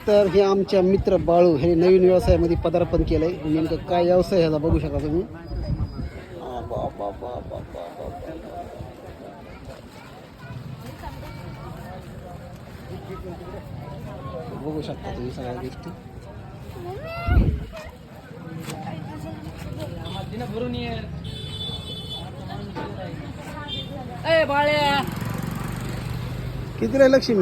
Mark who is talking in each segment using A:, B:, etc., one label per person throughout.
A: तर हे आमच्या मित्र बाळू हे नवीन व्यवसायामध्ये पदार्पण केलंय. नेमकं काय व्यवसाय ह्याचा बघू शकता तुम्ही. बघू शकता तुम्ही सगळ्या गोष्टी. किती आहे लक्ष्मी?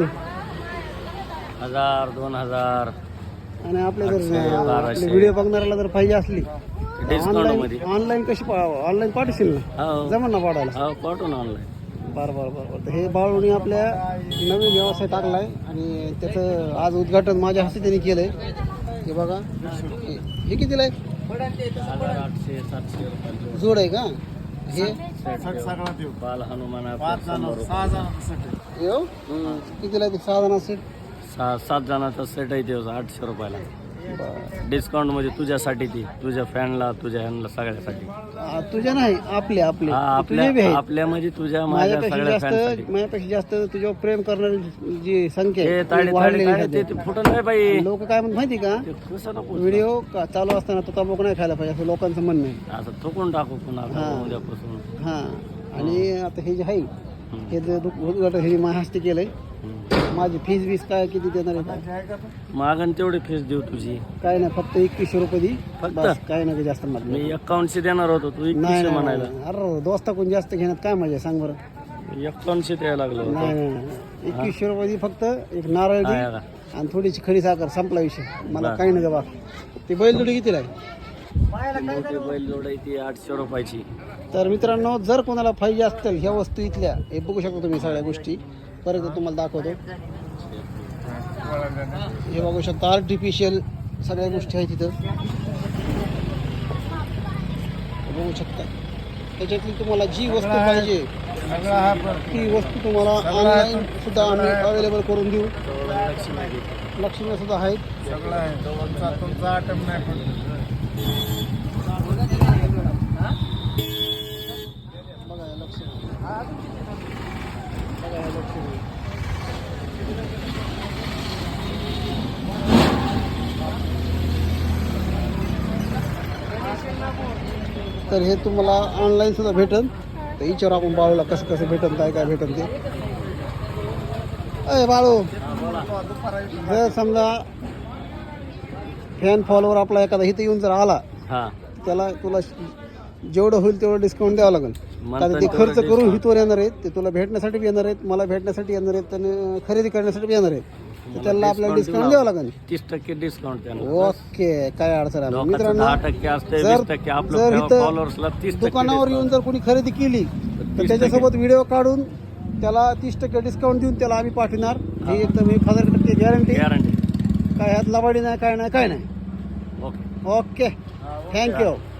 B: 1000 2000
A: आणि आपल्या जर व्हिडिओ बघणाऱ्याला जर पाहिजे असली
B: डिस्काउंट मध्ये
A: ऑनलाईन कशी ऑनलाईन पाठवशील ना?
B: हो
A: जमन ना पाठवायला?
B: हो पाठवून ऑनलाईन.
A: बरं. तर हे बाळूनी आपल्या नवीन व्यवसाय टाकलाय आणि त्याचं आज उद्घाटन माझ्या हस्ते त्यांनी केलंय. हे बघा, हे कितीला आहे?
B: 800 700 रुपये
A: जोड आहे का हे?
B: बाल हनुमान
A: येऊ कितीला आहे ते? 6 जण सेट?
B: 7 जणांचा सेट आहे ते 800 रुपयाला. डिस्काउंट मध्ये तुझ्यासाठी ती तुझ्या फॅनला तुझ्या ह्यांना सगळ्यासाठी.
A: तुझ्या नाही आपल्या तुझे बी आहेत.
B: आपल्या म्हणजे तुझ्या माझ्या सगळ्या फॅनसाठी.
A: माझ्यापेक्षा जास्त तुझ्यावर प्रेम करणारी जी संख्या
B: हे ताडे ते फुटून नाही पाहिजे.
A: लोक काय म्हणत माहिती का,
B: ते कसं नको
A: व्हिडिओ चालू असताना तो तंबाखू नाही खायला पाहिजे असं लोकांचं म्हणणं आहे.
B: असं थुकून टाकू पुन्हा उद्यापासून.
A: हा आणि आता हे जे आहे हे उद्घाटन हे माझ्या हस्ते केलंय. माझी फीस बीस काय किती देणार आहे?
B: मागण तेवढी फीस देऊ तुझी.
A: काय नाही, फक्त 2100 रुपये दी.
B: फक्त?
A: काय नाही जास्त
B: मी
A: मागणार.
B: 5100 देणार होतो तू 2100 म्हणायला.
A: अरे दोस्ता कोण जास्त घेण्यात काय मजा आहे सांग बरं.
B: 5100 द्यायला लागलो.
A: नाही 2100 रुपये दी. फक्त एक नारळ दी आणि थोडीशी खडी साखर, संपला विषय. मला काही नाही बा. ते बैलजोडी कितीला आहे?
B: बैल जोडायची 800 रुपयाची.
A: तर मित्रांनो, जर कोणाला पाहिजे असतील ह्या वस्तू इथल्या, हे बघू शकता तुम्ही सगळ्या गोष्टी. परत तुम्हाला दाखवतो. हे बघू शकता आर्टिफिशियल सगळ्या गोष्टी आहेत तिथं. बघू शकता त्याच्यातली तुम्हाला जी वस्तू पाहिजे ती वस्तू तुम्हाला ऑनलाईन सुद्धा आम्ही अवेलेबल करून देऊ. लक्ष्मी सुद्धा आहेत. बघा लक्ष्मी, बघा लक्ष्मी. तर हे तुम्हाला ऑनलाईन सुद्धा भेटन. तर विचार आपण बाळूला कसं कसं भेटन, काय भेटन ते. अय बाळू, जर समजा फॅन फॉलोवर आपला एखादा इथे येऊन जर आला, त्याला तुला जेवढं होईल तेवढं डिस्काउंट द्यावं लागेल. कारण ते खर्च करून हितवर येणार आहेत, ते तुला भेटण्यासाठी येणार आहेत, मला भेटण्यासाठी येणार आहेत आणि खरेदी करण्यासाठी येणार आहेत. तर त्याला आपल्याला डिस्काउंट द्यावं लागेल.
B: 30% डिस्काउंट.
A: ओके, काय अडचण आहे मित्रांनो.
B: 10% असते,
A: जर
B: 20% आपल्या फॉलोअर्सला 30%
A: दुकानावर येऊन जर कोणी खरेदी केली तर त्याच्यासोबत व्हिडिओ काढून त्याला 30% डिस्काउंट देऊन त्याला आम्ही पाठवणार. ही एकदम 1000% गॅरंटी. काय ह्यात लबाडी नाही, काय नाही. Okay, thank you.